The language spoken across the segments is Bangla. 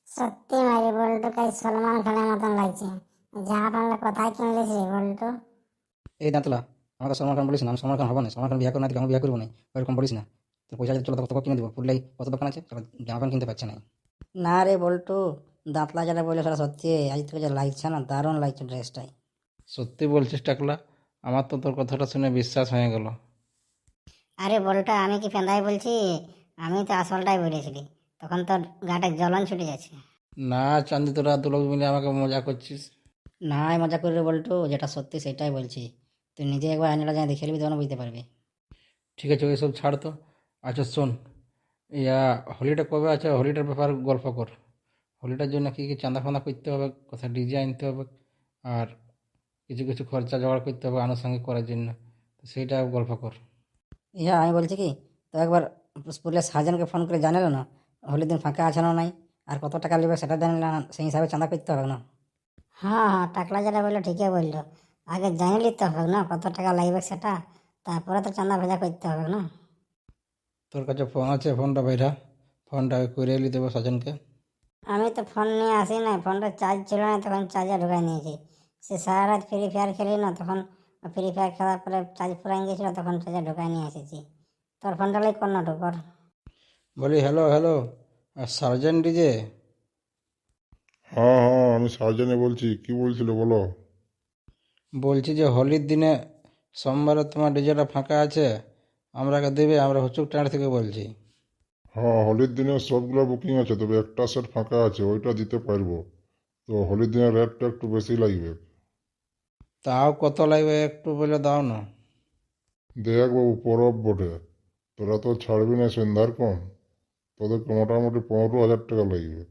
সত্যি মারি বল্টু কাজ সলমান খানের মতন লাগছে। জামা প্যান্ট কোথায় কিনলিস রে বল্টু? এই দাঁতলা, আমাকে সলমান খান বলিস না, আমি সলমান খান হবো না। সলমান খান বিয়ে করে না, আমি বিয়ে করবো না, ওইরকম বলিস না। তোর পয়সা যদি চলো তোকে কিনে দেবো, ফুললাই কত দোকান আছে, তোর জামা প্যান্ট কিনতে পারছে না। না রে বল্টু, দাঁতলা যেটা বললো সেটা সত্যি। আজ থেকে যা লাগছে না, দারুণ লাগছে ড্রেসটাই। সত্যি বলছিস টাকলা? আমার তো তোর কথাটা শুনে বিশ্বাস হয়ে গেল। আরে বল্টু, আমি কি ফেন্দাই বলছি? আমি তো আসলটাই বলেছিলি। তখন তোর গাটা জ্বলন ছুটে যাচ্ছে। না চান্দি, তোরা দু লোক মিলে আমাকে মজা করছিস। না মজা করি রে বল্টু, যেটা সত্যি সেটাই বলছি। তুই নিজে একবার আয়নাটা যাই দেখে নিবি, তখন বুঝতে পারবি। ঠিক আছে, ওইসব ছাড় তো। আচ্ছা শোন, ইয়া হোলিটা কবে আছে, হোলিটার ব্যাপার গল্প কর। হোলিটার জন্য কী কী চাঁদা ফাঁদা করতে হবে, কোথায় ডিজে আনতে হবে, আর কিছু কিছু খরচা জোগাড় করতে হবে আনুষঙ্গিক করার জন্য, তো সেইটা গল্প কর। ইহা আমি বলছি কি, তো একবার স্কুলের সার্জেনকে ফোন করে জানালো না হোলির দিন ফাঁকা আছে না নাই, আর কত টাকা নেবে সেটা জানলে না, সেই হিসাবে চাঁদা করতে হবে না। হ্যাঁ হ্যাঁ, টাকলা যেটা বললো ঠিকই বললো। আগে জানিয়ে নিতে হবে না কত টাকা লাগবে সেটা, তারপরে তো চাঁদা ভেজা করতে হবে না। তোর কাছে ফোন আছে, ফোনটা বাইরা, ফোনটা করে এলি দেবো সাজনকে। আমি তো ফোন নিয়ে আসি না, ফোনটা চার্জ ছিল না, তখন চার্জে ঢুকাই নিয়েছি। সে সারা রাত ফ্রি ফায়ার খেলি না, তখন ফ্রি ফায়ার খেলার পরে চার্জ ফুরাই গেছিলো, তখন চার্জে ঢুকাই নিয়ে এসেছি। তোর ফোনটা লাই কর না ঢুকর। বলি হ্যালো হ্যালো, সার্জেন্ট ডিজে। হ্যাঁ হ্যাঁ, আমি সার্জেনে বলছি। কি বলছিল বলো? বলছি যে হোলির দিনে সোমবারে তোমার ডিজেটা ফাঁকা আছে, আমরাকে দেবে, আমরা হুচুক টাঁড় থেকে বলছি। হ্যাঁ, হোলির দিনে সবগুলো বুকিং আছে, তবে একটা সেট ফাঁকা আছে, ওইটা দিতে পারবো। তো হোলির দিনে রেটটা একটু বেশি লাগবে। তাও কত লাগবে একটু বলে দাও না। দেখ বাবু, পরব বটে, তোরা তো ছাড়বি না সন্ধ্যার কম, তোদেরকে মোটামুটি 15,000 টাকা লাগবে।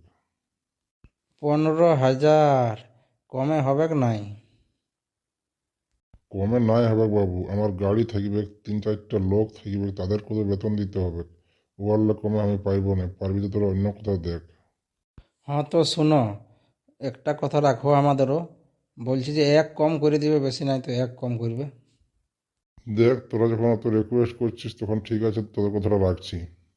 15,000? কমে হবে কি নাই? কমে নাই হবে বাবু, আমার গাড়ি থাকবে, 3-4টা লোক থাকবে, তাদের কত বেতন দিতে হবে। ওয়ারলে কমে আমি পাইবো না, পারবি তো তোরা অন্য কোথাও দেখ। হ্যাঁ তো শোনো, একটা কথা রাখো আমাদেরও, বলছি যে এক কম করে দিবে, বেশি নাই তো এক কম করবে। দেখ, তোরা যখন অত রিকোয়েস্ট করছিস তখন ঠিক আছে, তোদের কথাটা রাখছি।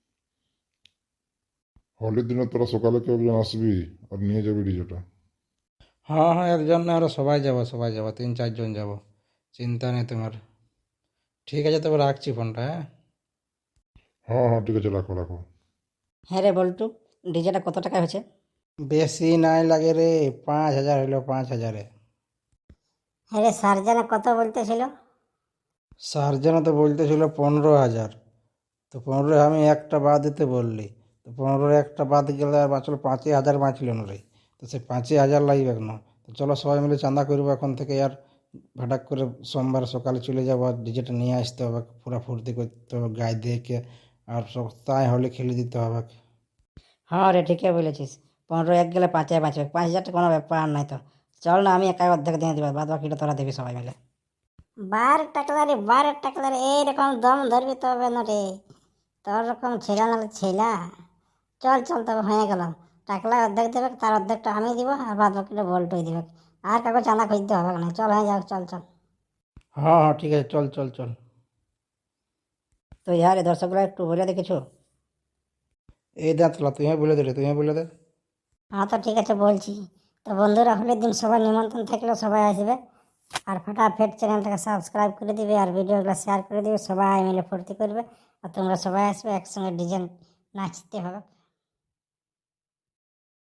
হোলির দিনে তোরা সকালে কেউ একজন আসবি আর নিয়ে যাবি ডিজেটা। হ্যাঁ হ্যাঁ, একজন না, আরো সবাই যাবো, সবাই যাবো, 3-4 জন যাবো, চিন্তা নেই তোমার। ঠিক আছে, তবে রাখছি ফোনটা, হ্যাঁ। হ্যাঁ হ্যাঁ, ঠিক আছে, রাখো রাখো। হ্যাঁ রে বল্টু, ডিজেটা কত টাকা হয়েছে? বেশি নাই লাগে রে, 5,000 হইলো, 5,000-এ। হ্যাঁ রে, সার্জেনে কত বলতেছিল? সার্জেনও তো বলতেছিল 15,000। তো 15 আমি একটা বাদ দিতে বললি, তো 15 একটা বাদ গেলে আর বাঁচলো 5,000 বাঁচল না রে। তো সে 5,000 লাগবে না। তো চলো সবাই মিলে চাঁদা করবো এখন থেকে, আর ভাটাক করে সোমবার সকালে চলে যাবো, আর ডিজেটা নিয়ে আসতে হবে, পুরা ফুর্তি করতে হবে গায়ে দেখে, আর সপ্তাহে হলে খেলে দিতে হবে। হ্যাঁ রে, ঠিকই বলেছিস। 15 এক গেলে 5 বাঁচবে, 5,000 কোনো ব্যাপার নাই তো। চল না, আমি একাই অর্ধেক দিয়ে দেবো, বাদ বাকিটা তোরা দিবি সবাই মিলে। বার টাকলা রে, এইরকম দম ধরবি তবে না রে। তোর রকম ছেলা না ছেলা। চল চল, তবে হয়ে গেল। টাকলা অর্ধেক দেবে, তার অর্ধেকটা আমি দিব, আর বাদ বাকিটা বল্টুই দিবে। আর কাউকে চাঁদা খুঁজতে হবে না, চল হয়ে যাক, চল চল। হ্যাঁ হ্যাঁ, ঠিক আছে, চল চল চল। তো ইয়ার এই দর্শকগুলো একটু বলে দে কিছু। এই দাঁতলা, তুই বলে দে রে, তুই বলে দে। হ্যাঁ তো ঠিক আছে, বলছি। তো বন্ধুরা, হোলির দিন সবার নিমন্ত্রণ থাকলেও সবাই আসবে। আর ফটাফট চ্যানেলটাকে সাবস্ক্রাইব করে দিবে, আর ভিডিওগুলো শেয়ার করে দিবে, সবাই মিলে ফুর্তি করবে। আর তোমরা সবাই আসবে, একসঙ্গে ডিজাইন নাচতে হবে।